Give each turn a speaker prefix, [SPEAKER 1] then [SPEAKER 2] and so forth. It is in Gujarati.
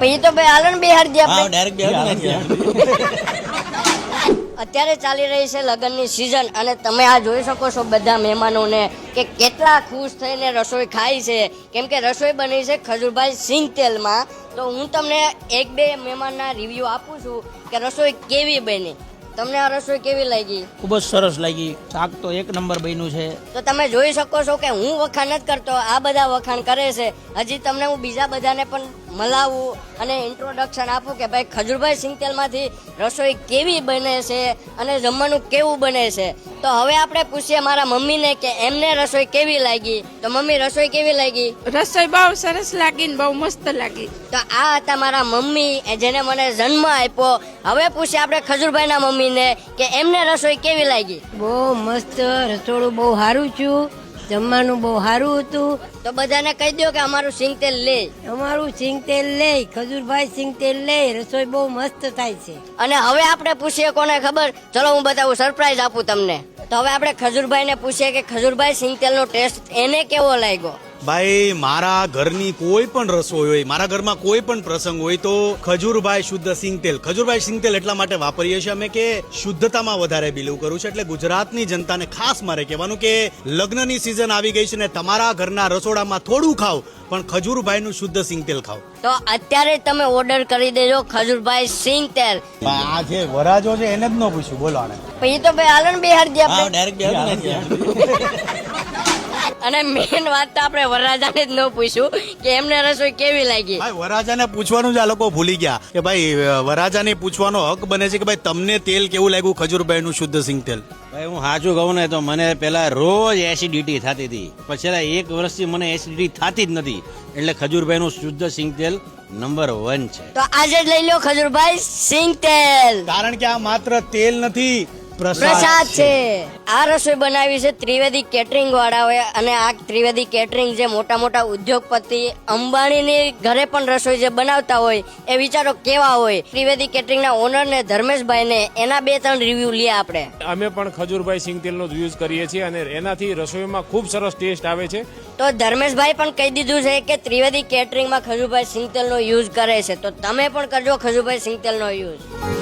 [SPEAKER 1] પછી તો ભાઈ હાલો ને બિહાર દે
[SPEAKER 2] હા
[SPEAKER 1] આપણે.
[SPEAKER 2] ડાયરેક્ટ
[SPEAKER 1] અત્યારે ચાલી રહી છે લગ્નની સિઝન અને તમે આ જોઈ શકો છો બધા મહેમાનોને કે કેટલા ખુશ થઈને રસોઈ ખાય છે, કેમ કે રસોઈ બની છે ખજૂરભાઈ સિંગ તેલમાં. તો હું તમને એક બે મહેમાનના રિવ્યુ આપું છું કે રસોઈ કેવી બની. તમને આ રસોઈ કેવી લાગી?
[SPEAKER 2] ખૂબ જ સરસ લાગી. શાક તો એક નંબર બન્યું છે.
[SPEAKER 1] તો તમે જોઈ શકો છો કે હું વખાણ નથી કરતો, આ બધા વખાણ કરે છે. હજી તમને હું બીજા બધાને પણ મલાવું અને ઇન્ટ્રોડક્શન આપું કે ભાઈ ખજૂરભાઈ સિંગતેલમાંથી રસોઈ કેવી બને છે અને જમવાનું કેવું બને છે. તો હવે આપણે પૂછીએ મારા મમ્મીને કે એમને રસોઈ કેવી લાગી. તો મમ્મી, રસોઈ કેવી લાગી?
[SPEAKER 3] રસોઈ બહુ સરસ લાગી ને બહુ મસ્ત લાગી.
[SPEAKER 1] તો આ હતા મારા મમ્મી જેને મને જન્મ આપ્યો. હવે પૂછીએ આપણે ખજૂરભાઈના મમ્મીને કે એમને રસોઈ કેવી લાગી.
[SPEAKER 4] બહુ મસ્ત રસોડું, બહુ સારું છું, જમવાનું બહુ સારું હતું.
[SPEAKER 1] તો બધાને કહી દો કે અમારું સિંગતેલ લે.
[SPEAKER 4] અમારું સિંગતેલ લે, ખજૂરભાઈ સિંગતેલ લે, રસોઈ બહુ મસ્ત થાય છે.
[SPEAKER 1] અને હવે આપણે પૂછીએ કોને ખબર, ચલો હું બતાવું, સરપ્રાઈઝ આપું તમને. તો હવે આપણે ખજૂરભાઈને પૂછીએ કે ખજૂરભાઈ સિંગતેલનો ટેસ્ટ એને કેવો લાગ્યો.
[SPEAKER 5] ભાઈ, મારા ઘરની કોઈ પણ રસોઈ હોય, મારા ઘરમાં કોઈ પણ પ્રસંગ હોય તો ખજૂરભાઈ શુદ્ધ સિંગતેલ, ખજૂરભાઈ સિંગતેલ એટલા માટે વાપરીએ છીએ અમે કે શુદ્ધતામાં વધારે બિલીવ કરું છું. એટલે ગુજરાતની જનતાને ખાસ મારે કહેવાનું કે લગ્નની સિઝન આવી ગઈ છે ને તમારા ઘરના રસોડામાં થોડું ખાવ પણ ખજૂરભાઈનું શુદ્ધ સિંગતેલ ખાવ.
[SPEAKER 1] તો અત્યારે તમે ઓર્ડર કરી દેજો ખજૂરભાઈ સિંગતેલ.
[SPEAKER 5] આ જે વરાજો છે એને જ ન પૂછ્યું, બોલો આને.
[SPEAKER 1] પછી તો ભાઈ હાલો ને બિહાર દે
[SPEAKER 2] હા
[SPEAKER 1] આપણે.
[SPEAKER 2] ડાયરેક્ટ
[SPEAKER 1] અને મેન વાત તો આપણે વરરાજાને જ ન પૂછ્યું કે એમને રસોઈ કેવી લાગી.
[SPEAKER 5] ભાઈ, વરાજાને પૂછવાનું જ આ લોકો ભૂલી ગયા કે ભાઈ વરાજાને પૂછવાનો હક બને છે કે ભાઈ તમને તેલ કેવું લાગ્યું ખજૂરભાઈનું શુદ્ધ સિંગતેલ.
[SPEAKER 6] ભાઈ હું સાચું કહું ને તો મને પેલા રોજ એસિડિટી થતી હતી, પછી છેલ્લા 1 વર્ષથી મને એસિડિટી થતી જ નથી. એટલે ખજૂરભાઈનું શુદ્ધ સિંગતેલ નંબર 1 છે.
[SPEAKER 1] તો આજે જ લઈ લો ખજૂરભાઈ સિંગતેલ.
[SPEAKER 5] કારણ કે આ માત્ર તેલ નથી,
[SPEAKER 1] પ્રસાદ છે. આ રસોઈ બનાવી છે ત્રિવેદી કેટરિંગ વાળાઓએ. અને આ ત્રિવેદી કેટરિંગ જે મોટા મોટા ઉદ્યોગપતિ અંબાણીની ઘરે પણ રસોઈ જે બનાવતા હોય એ વિચારો કેવા હોય. ત્રિવેદી કેટરિંગના ઓનર ને ધર્મેશભાઈ ને એના 2-3 રિવ્યુ લઈએ આપણે.
[SPEAKER 7] અમે પણ ખજૂરભાઈ સિંગતેલનો જ યુઝ કરીએ છીએ અને એનાથી રસોઈમાં ખૂબ સરસ ટેસ્ટ આવે છે.
[SPEAKER 1] તો ધર્મેશભાઈ પણ કહી દીધું છે કે ત્રિવેદી કેટરિંગમાં ખજૂરભાઈ સિંગતેલનો યુઝ કરે છે. તો તમે પણ કરજો ખજૂરભાઈ સિંગતેલનો યુઝ.